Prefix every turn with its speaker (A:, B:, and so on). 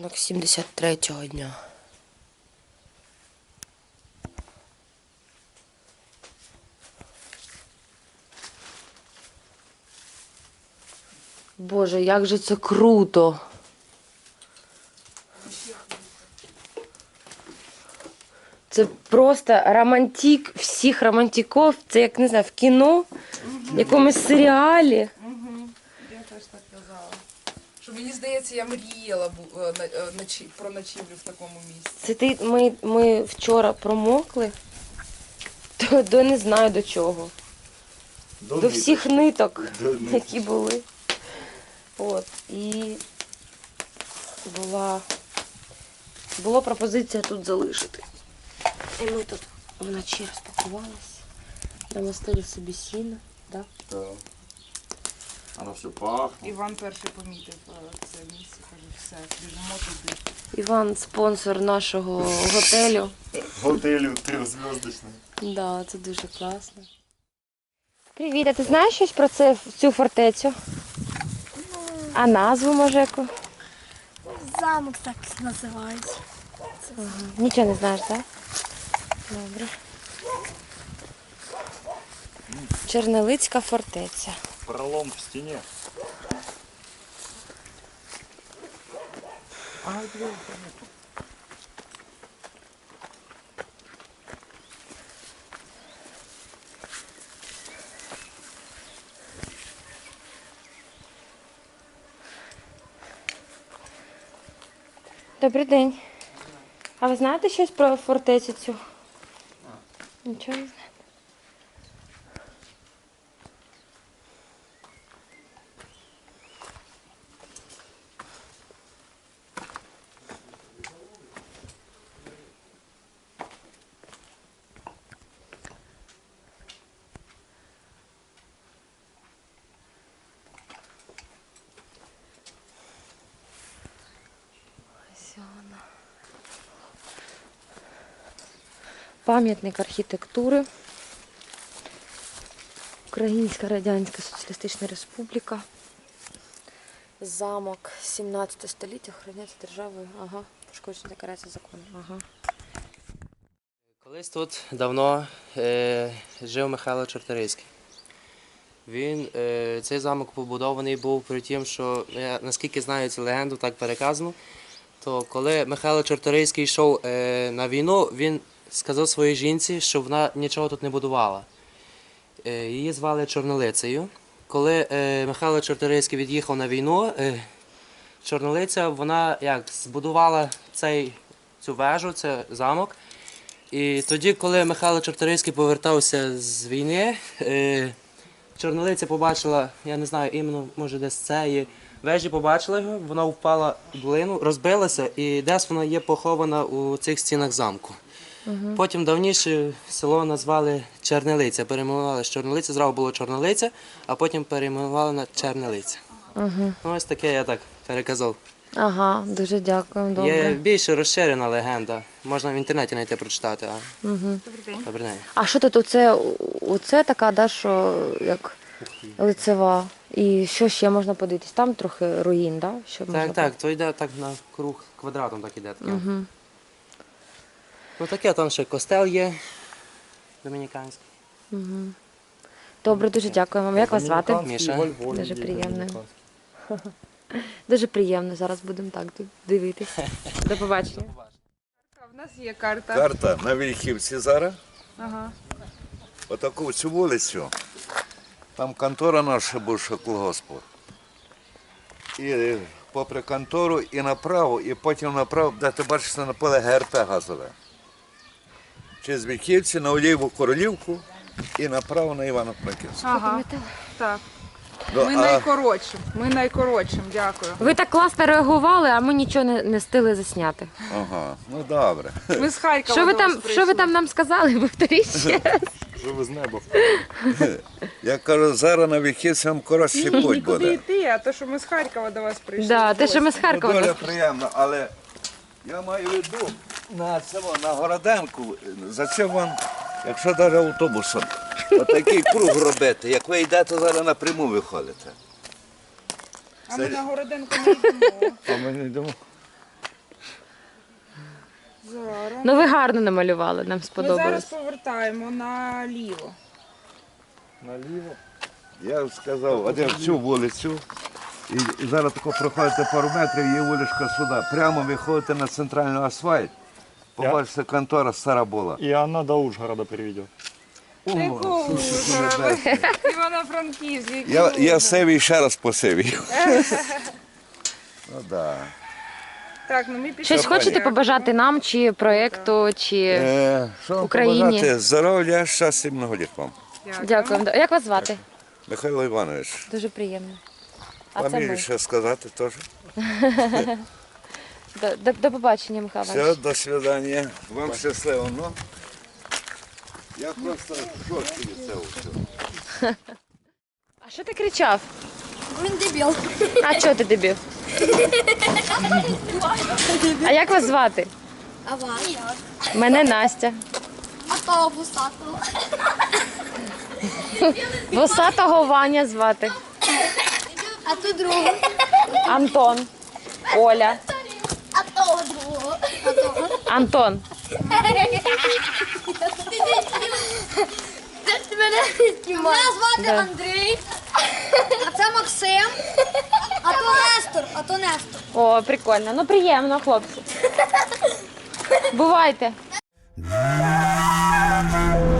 A: Ранок 73-го дня. Боже, як же це круто! Це просто романтик всіх романтиків. Це, як, не знаю, в кіно, в якомусь серіалі.
B: Я теж так казала. Що мені здається, я мріяла про ночівлю в такому місці.
A: Це ми вчора промокли, до не знаю до чого. До всіх ниток, які були. От. І була пропозиція тут залишити. І ми тут вночі розпакувалися, намастили собі сіно. Да?
C: Так. Воно все пахне.
B: Іван перший помітив це місце, каже, все, біжимо туди.
A: Іван спонсор нашого готелю.
C: Готелю трьохзв'язочний.
A: Да, це дуже класно. Привіт, а ти знаєш щось про цю фортецю? А назву, може, яку?
D: Замок так називається.
A: Ага. Нічого не знаєш, так? Добре. Чернелицька фортеця.
C: Пролом в стіні.
A: Добрий день. А ви знаєте щось про фортецю цю? Нічого не знаю. Пам'ятник архітектури. Українська Радянська Соціалістична Республіка. Замок 17 століття охороняється державою. Ага, пошкодження декорація закону. Ага.
E: Колись тут давно жив Михайло Чорторийський. Цей замок побудований був при тім, що, я наскільки знаю цю легенду, так переказано, то коли Михайло Чорторийський йшов на війну, він сказав своїй жінці, що вона нічого тут не будувала. Її звали Чорнолицею. Коли Михайло Чорторийський від'їхав на війну, Чорнолиця, вона збудувала цю вежу, цей замок. І тоді, коли Михайло Чорторийський повертався з війни, Чорнолиця побачила, я не знаю, іменно, може десь цієї вежі побачила його, вона впала в долину, розбилася і десь вона є похована у цих стінах замку. Потім давніше село назвали Чернелиця, перейменували з Чорнолиця, зразу було Чорнолиця, а потім перейменували на Чернелиця. Ось таке я так переказав.
A: Ага, дуже дякую, добре.
E: Є більш розширена легенда, можна в інтернеті знайти прочитати. Добрий день.
A: А що тут оце така, да, що як лицева? І що ще можна подивитись? Там трохи руїн, да? Що можна
E: Так, то йде так на круг, квадратом так іде. Ну таке, там ще костел є, домініканський.
A: Добре, дуже дякую вам. Як вас звати?
E: Міша.
A: Дуже приємно. Дуже приємно. Зараз будемо так тут дивитися. До побачення.
B: В нас є карта.
F: Карта на Вільхівці зараз.
B: Ага.
F: Отаку цю вулицю. Там контора наша бувша колгоспу. І попри контору і направо, і потім направо, де ти бачиш на поле ГРП газове. Через Вільхівці на Олієву Королівку і направо на Івано-Франківську.
B: Ага. Так.
F: Ну,
B: Ми найкоротшим, дякую.
A: Ви так класно реагували, а ми нічого не встигли засняти.
F: Ага, ну добре.
B: Ми з Харкова
A: Що ви
B: до вас
A: там,
B: прийшли.
A: нам сказали? Повторіть ще раз.
C: Що ви з неба?
F: Я кажу, зараз на Вільхівці вам коротший путь
B: Нікуди
F: буде.
B: йти, а то, що ми з Харкова до вас прийшли.
A: Да, те, що ми з
F: Ну,
A: Харкова.
F: дуже приємно, але я маю в виду на Городенку, за це вам, якщо навіть автобусом, отакий круг робити, як ви йдете зараз напряму виходите.
B: А ми на Городенку не йдемо.
F: А ми не йдемо.
B: Зараз.
A: Ну ви гарно намалювали, нам
B: Ми зараз
A: сподобалось.
B: повертаємо наліво.
C: Наліво.
F: Я сказав, один в цю вулицю, і зараз тако проходите пару метрів, є вуличка сюди. Прямо виходите на центральний асфальт, побачите, контора стара була.
C: И она до Ужгорода приведет.
B: Івано-Франківськ, який
F: Я
B: Ужгород.
F: севій ще раз посивів. Ну да.
B: Так, ну ми пішли.
A: Щось хочете побажати нам, чи проєкту, чи
F: Що вам
A: Україні.
F: побажати? Здоров'я, щастя і многоліт вам.
A: дякуємо. Як вас звати?
F: Михайло Іванович,
A: Дуже приємно. А це
F: фамілію
A: ми.
F: ще сказати теж.
A: До побачення, Михайло
F: Все,
A: Іванович.
F: до свидання. Вам щасливо. Ну, я просто в шоці від цього всього.
A: А що ти кричав?
D: Він дебіл.
A: А чого ти дебіл? А як вас звати?
D: А вас?
A: Мене Настя.
D: А того вусатого.
A: Вусатого Ваня звати.
D: А ту другу.
A: Антон. Оля.
D: А того другого. А того.
A: Антон.
D: Мене звати
A: Да.
D: Андрій. А це Максим. А то Нестор. А то Нестор.
A: О, прикольно. Ну приємно, хлопці. Бувайте.